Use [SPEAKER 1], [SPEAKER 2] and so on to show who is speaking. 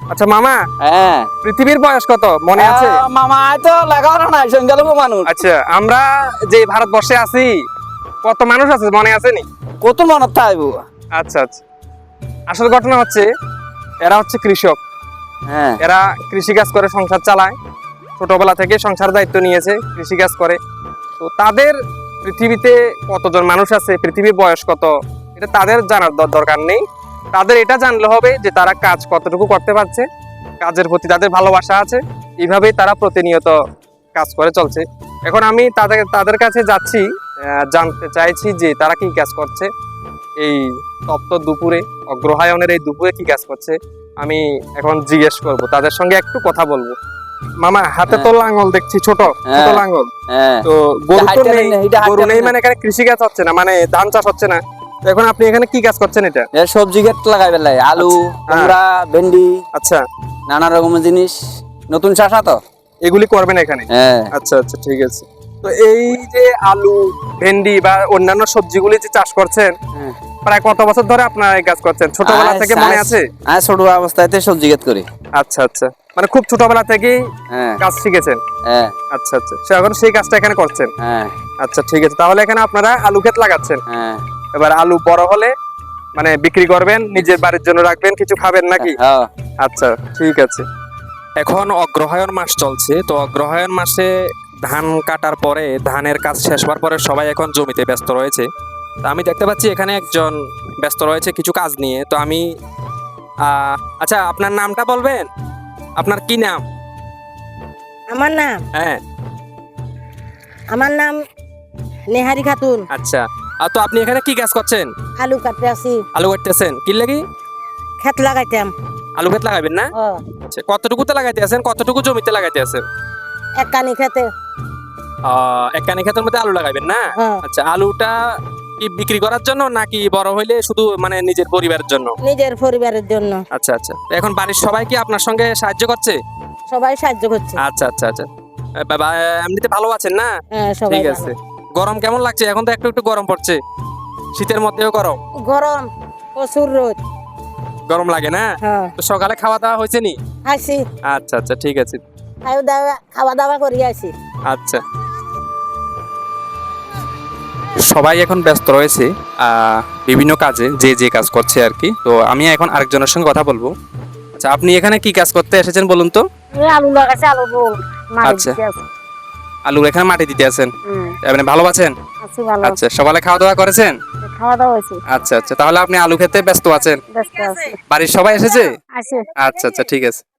[SPEAKER 1] আচ্ছা মামা,
[SPEAKER 2] হ্যাঁ
[SPEAKER 1] পৃথিবীর বয়স কত মনে আছে?
[SPEAKER 2] মামা তো লাগানো নাই সংখ্যালঘু মানুষ।
[SPEAKER 1] আচ্ছা, আমরা যে ভারতবর্ষে আছি কত মানুষ আছে মনে আছে নি?
[SPEAKER 2] কত মনত থাকবো।
[SPEAKER 1] আচ্ছা আচ্ছা, আসল ঘটনা হচ্ছে এরা হচ্ছে কৃষক।
[SPEAKER 2] হ্যাঁ
[SPEAKER 1] এরা কৃষিকাজ করে সংসার চালায়, ছোটবেলা থেকে সংসার দায়িত্ব নিয়েছে, কৃষিকাজ করে। তো তাদের পৃথিবীতে কতজন মানুষ আছে, পৃথিবীর বয়স কত, এটা তাদের জানার দরকার নেই। তাদের এটা জানলে হবে যে তারা কাজ কতটুকু করতে পারছে, কাজের প্রতি তাদের ভালোবাসা আছে, এইভাবেই তারা প্রতিনিয়ত কাজ করে চলছে। এখন আমি তাদের কাছে যাচ্ছি, জানতে চাইছি যে তারা কি কাজ করছে এই তপ্ত দুপুরে, অগ্রহায়ণের এই দুপুরে কি কাজ করছে। আমি এখন জিজ্ঞেস করব, তাদের সঙ্গে একটু কথা বলবো। মামা, হাতে তো লাঙ্গল দেখছি, ছোট ছোট লাঙ্গল। তো গরু তো নেই, গরু নেই মানে এখানে কৃষি কাজ হচ্ছে না, মানে ধান চাষ হচ্ছে না। তো এখন আপনি এখানে কি কাজ করছেন? এটা
[SPEAKER 2] সবজি ক্ষেত লাগাই বেলাই, আলু, কুমড়া, ভেন্ডি,
[SPEAKER 1] আচ্ছা,
[SPEAKER 2] নানা রকমের জিনিস, নতুন চাষা তো
[SPEAKER 1] এগুলি করবেন এখানে?
[SPEAKER 2] হ্যাঁ।
[SPEAKER 1] আচ্ছা আচ্ছা, ঠিক আছে। তো এই যে আলু, ভেন্ডি বা অন্যান্য সবজিগুলি যে চাষ করছেন, প্রায় কত বছর ধরে আপনারা এই কাজ করছেন? ছোটবেলা থেকে মনে আছে?
[SPEAKER 2] হ্যাঁ, ছোট অবস্থাতে সবজি ক্ষেত করি।
[SPEAKER 1] আচ্ছা আচ্ছা, মানে খুব ছোটবেলা থেকেই কাজ শিখেছেন?
[SPEAKER 2] হ্যাঁ।
[SPEAKER 1] আচ্ছা আচ্ছা, এখন সেই কাজটা এখানে করছেন?
[SPEAKER 2] হ্যাঁ।
[SPEAKER 1] আচ্ছা ঠিক আছে, তাহলে এখানে আপনারা আলু ক্ষেত লাগাচ্ছেন।
[SPEAKER 2] হ্যাঁ।
[SPEAKER 1] এবার আলু বড় হলে মানে বিক্রি করবেন, নিজের বাড়ির জন্য রাখবেন, কিছু খাবেন নাকি?
[SPEAKER 2] হ্যাঁ।
[SPEAKER 1] আচ্ছা ঠিক আছে। এখন অগ্রহায়ণ মাস চলছে, তো অগ্রহায়ণ মাসে ধান কাটার পরে, ধানের কাজ শেষ হওয়ার পরে সবাই এখন জমিতে ব্যস্ত রয়েছে। তো আমি দেখতে পাচ্ছি এখানে একজন ব্যস্ত রয়েছে কিছু কাজ নিয়ে। তো আমি আচ্ছা, আপনার নামটা বলবেন? আপনার কি নাম?
[SPEAKER 3] আমার নাম
[SPEAKER 1] হ্যাঁ,
[SPEAKER 3] আমার নাম নেহারি খাতুন।
[SPEAKER 1] আচ্ছা। আর তো আপনি এখানে কি কাজ করছেন?
[SPEAKER 3] আলু কাটতে আসি,
[SPEAKER 1] আলু কাটতেছেন? কি লাগি?
[SPEAKER 3] ক্ষেত লাগাইতাম।
[SPEAKER 1] আলু ক্ষেত লাগাবেন না?
[SPEAKER 3] ও,
[SPEAKER 1] আচ্ছা, কতটুকুতে লাগাইতে আছেন, কতটুকু জমিতে লাগাইতে আছেন?
[SPEAKER 3] এক কানি খেতে।
[SPEAKER 1] এক কানি ক্ষেতের মধ্যে আলু লাগাইবেন না?
[SPEAKER 3] হ্যাঁ।
[SPEAKER 1] আচ্ছা, আলুটা কি বিক্রি করার জন্য নাকি বড় হইলে শুধু মানে নিজের পরিবারের জন্য?
[SPEAKER 3] নিজের পরিবারের জন্য।
[SPEAKER 1] আচ্ছা আচ্ছা, এখন বাড়ির সবাই কি আপনার সঙ্গে সাহায্য করছে?
[SPEAKER 3] সবাই সাহায্য করছে।
[SPEAKER 1] আচ্ছা আচ্ছা আচ্ছা, বাবা এমনিতে ভালো আছেন না?
[SPEAKER 3] হ্যাঁ, সবাই
[SPEAKER 1] ঠিক
[SPEAKER 3] ভালো।
[SPEAKER 1] আছে। গরম কেমন লাগছে? এখন তো একটু একটু গরম পড়ছে, শীতের মধ্যেও গরম।
[SPEAKER 3] গরম, প্রচুর রোদ।
[SPEAKER 1] গরম লাগে না?
[SPEAKER 3] হ্যাঁ।
[SPEAKER 1] তো সকালে খাওয়া দাওয়া হয়েছে নি?
[SPEAKER 3] আসি,
[SPEAKER 1] আচ্ছা আচ্ছা, ঠিক আছে।
[SPEAKER 3] খাওয়া দাওয়া করি আসি।
[SPEAKER 1] আচ্ছা, সবাই এখন ব্যস্ত রয়েছে বিভিন্ন কাজে, যে যে কাজ করছে আর কি। তো আমি এখন আরেকজনের সঙ্গে কথা বলবো। আচ্ছা, আপনি এখানে কি কাজ করতে এসেছেন বলুন তো?
[SPEAKER 3] আলু লাগাইছে, আলু বল
[SPEAKER 1] আচ্ছা, আলু এখানে মাটি দিতে আছেন? আপনি ভালো আছেন?
[SPEAKER 3] আছি ভালো।
[SPEAKER 1] আচ্ছা, সকালে খাওয়া দাওয়া করেছেন?
[SPEAKER 3] খাওয়া দাওয়া হয়েছে।
[SPEAKER 1] আচ্ছা আচ্ছা, তাহলে আপনি আলু খেতে ব্যস্ত আছেন?
[SPEAKER 3] ব্যস্ত আছি।
[SPEAKER 1] বাড়ির সবাই এসেছে?
[SPEAKER 3] আসি।
[SPEAKER 1] আচ্ছা আচ্ছা, ঠিক আছে।